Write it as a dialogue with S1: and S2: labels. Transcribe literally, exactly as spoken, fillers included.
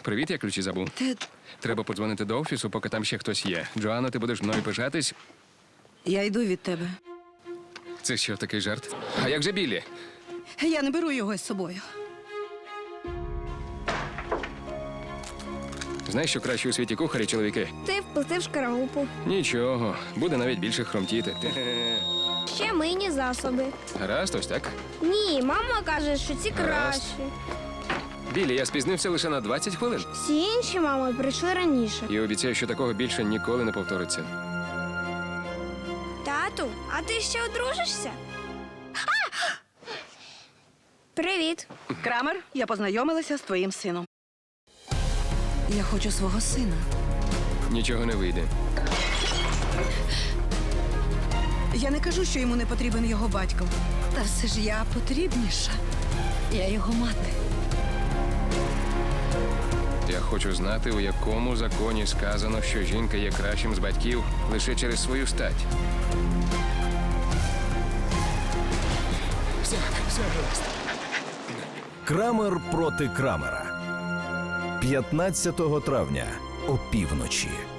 S1: Привіт, я ключі забув.
S2: Ти...
S1: Треба подзвонити до офісу, поки там ще хтось є. Джоанно, ти будеш мною пишатись?
S2: Я йду від тебе.
S1: Це що, такий жарт? А як же Біллі?
S2: Я не беру його з собою.
S1: Знаєш, що краще у світі кухарі, чоловіки?
S3: Ти вплетив шкаралупу.
S1: Нічого, буде навіть більше хромтіти.
S3: Ще мийні засоби.
S1: Гаразд, ось так.
S3: Ні, мама каже, що ці
S1: Гаразд.
S3: кращі.
S1: Біллі, я спізнився лише на двадцять хвилин.
S3: Всі інші мами прийшли раніше.
S1: І обіцяю, що такого більше ніколи не повториться.
S3: Тату, а ти ще одружишся? А! Привіт.
S2: Крамер, я познайомилася з твоїм сином. Я хочу свого сина.
S1: Нічого не вийде.
S2: Я не кажу, що йому не потрібен його батько. Та все ж я потрібніша. Я його мати.
S1: Я хочу знати, у якому законі сказано, що жінка є кращим з батьків лише через свою стать. Все, все гаразд.
S4: Крамер проти Крамера. п'ятнадцятого травня о півночі.